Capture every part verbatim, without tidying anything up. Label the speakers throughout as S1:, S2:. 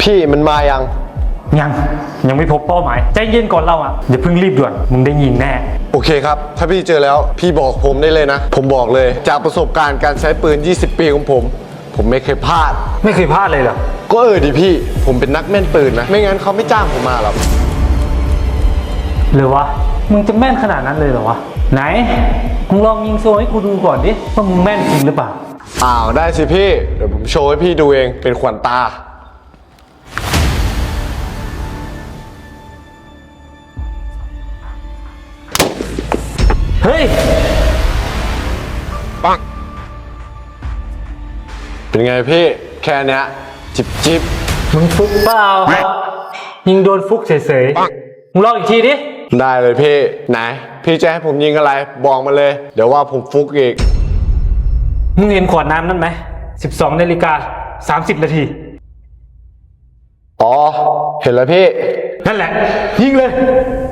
S1: พี่มันมายัง
S2: ยังยังไม่พบเป้าหมายใจเย็นก่อนเราอ่ะอย่าเพิ่งรีบด่วนมึงได้ยินแน่
S1: โอเคครับถ้าพี่เจอแล้วพี่บอกผมได้เลยนะผมบอกเลยจากประสบการณ์การใช้ปืนยี่สิบปีของผมผมไม่เคยพลาด
S2: ไม่เคยพลาดเลยเหรอ
S1: ก็เออดิพี่ผมเป็นนักแม่นปืนนะไม่งั้นเขาไม่จ้างผมมาหรอก
S2: หรือวะมึงจะแม่นขนาดนั้นเลยเหรอวะไหนมึงลองยิงโซ่ให้กูดูก่อนดิว่ามึงแม่นจริงหรือเปล่า
S1: อ้าวได้สิพี่เดี๋ยวผมโชว์ให้พี่ดูเองเป็นขวัญตา
S2: เฮ้ย
S1: ปังเป็นไงพี่แค่เนี้ยจิบจิบ
S2: มึงฟุกเปล่ายิงโดนฟุกเฉยๆมึงลองอีกทีดิ
S1: ได้เลยพี่ไหนพี่จะให้ผมยิงอะไรบอกมาเลยเดี๋ยวว่าผมฟุกอีก
S2: มึงเห็นขวดน้ำนั่นไหมสิบสองนาฬิกาสามสิบนาที
S1: อ๋อเห็นแล้วพี่
S2: นั่นแหละยิงเลย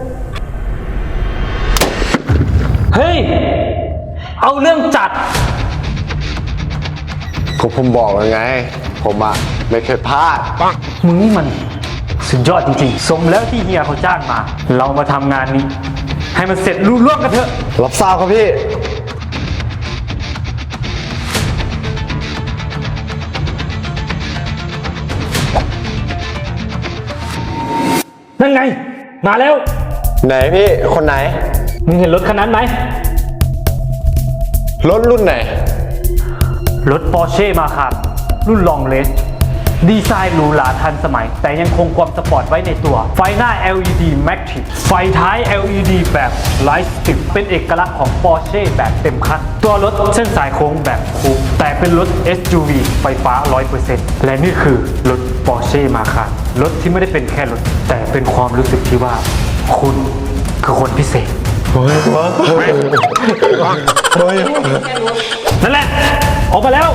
S2: เฮ้ยเอาเรื่องจัด
S1: ก็ผมบอกแล้วไงผมอะไม่เคยพลาด
S2: มึงนี่มันสุดยอดจริงๆสมแล้วที่เฮียเขาจ้างมาเรามาทำงานนี้ให้มันเสร็จรุ่ร่วงกันเถอะ
S1: รับทราบครับพี่
S2: นั่นไงมาแล้ว
S1: ไหนพี่คนไหน
S2: มึงเห็นรถคันนั้นไหม
S1: รถรุ่นไหน
S2: รถ Porsche Macan รุ่น Long Range ดีไซน์หรูหราทันสมัยแต่ยังคงความสปอร์ตไว้ในตัวไฟหน้า แอล อี ดี Matrix ไฟท้าย แอล อี ดี แบบ Light Strip เป็นเอกลักษณ์ของ Porsche แบบเต็มคันตัวรถเส้นสายโค้งแบบคูปแต่เป็นรถ เอส ยู วี ไฟฟ้า ร้อยเปอร์เซ็นต์ และนี่คือรถ Porsche Macan รถที่ไม่ได้เป็นแค่รถแต่เป็นความรู้สึกที่ว่าคุณคือคนพิเศษ
S1: เฮ้ยว้าเฮ้ย
S2: นั่นแหละออกมาแล้ว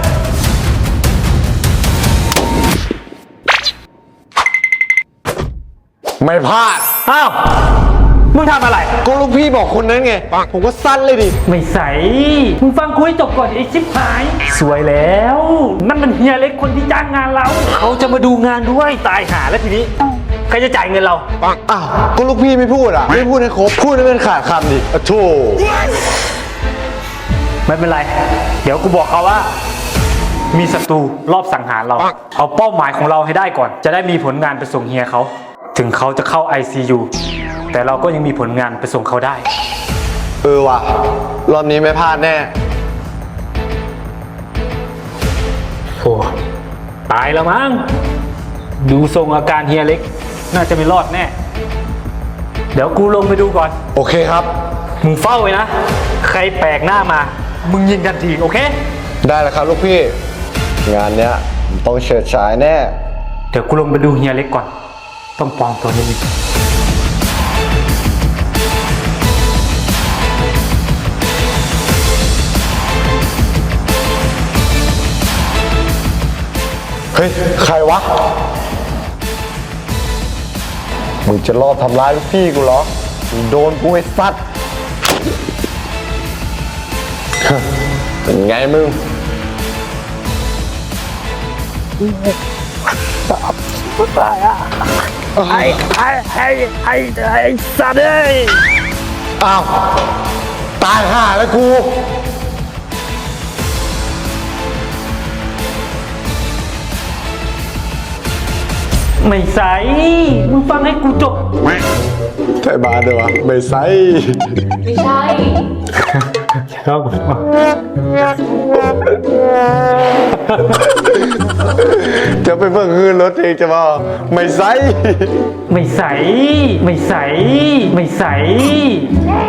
S1: ไม่พลาด
S2: อ้าวมึงทำอะไร
S1: ก็ลูกพี่บอกคนนั้นไงผมก็สั้นเลยดิ
S2: ไม่ใส่มึงฟังคุยจบก่อนไอ้ชิบหายสวยแล้วนั่นมันเฮียเล็กคนที่จ้างงานเราเขาจะมาดูงานด้วยตายหาแล้วทีนี้ใครจะจ่ายเงินเรา
S1: อ้าวก็ลูกพี่ไม่พูดอ่ะไม่พูดให้ครบพูดให้มันขาดคำดิโธ่
S2: ไม่เป็นไรเดี๋ยวกูบอกเขาว่ามีศัตรูรอบสังหารเราเอาเป้าหมายของเราให้ได้ก่อนจะได้มีผลงานไปส่งเฮียเขาถึงเขาจะเข้า ไอ ซี ยู แต่เราก็ยังมีผลงานไปส่งเขาได้
S1: เออว่ะรอบนี้ไม่พลาดแน่
S2: โอ้ตายแล้วมั้งดูทรงอาการเฮียเล็กน่าจะไม่รอดแน่เดี๋ยวกูลงไปดูก่อน
S1: โอเคครับ
S2: มึงเฝ้าไว้นะใครแปลกหน้ามามึงยิงทันทีโอเค
S1: ได้แล้วครับลูกพี่งานเนี้ยต้องเฉิดฉายแน่
S2: เดี๋ยวกูลงไปดูเฮียเล็กก่อนต้องปลอมตัวนิดนึง
S1: เฮ้ยใครวะมึงจะรอบทำร้ายลูกพี่กูเหรอมึงโดนกูไอ้สัตว์เป็นไงมึง
S2: ตายอ่ะไอ้ไอ้ไอ้ไอ้ไอ้สัตว์เอ้ย
S1: อ้าวตายห่าแล้วกู
S2: ไม่ใส่มึงฟังให้กูจบ
S1: ใช่บาเดี๋ยวไม่ใส่
S3: ไม่ใช่
S2: ครับ
S1: จะไปเบิ่งคืนรถเองจะมาไม่ใส่
S2: ไม่ใส่ไม่ใส่ไม่ใส่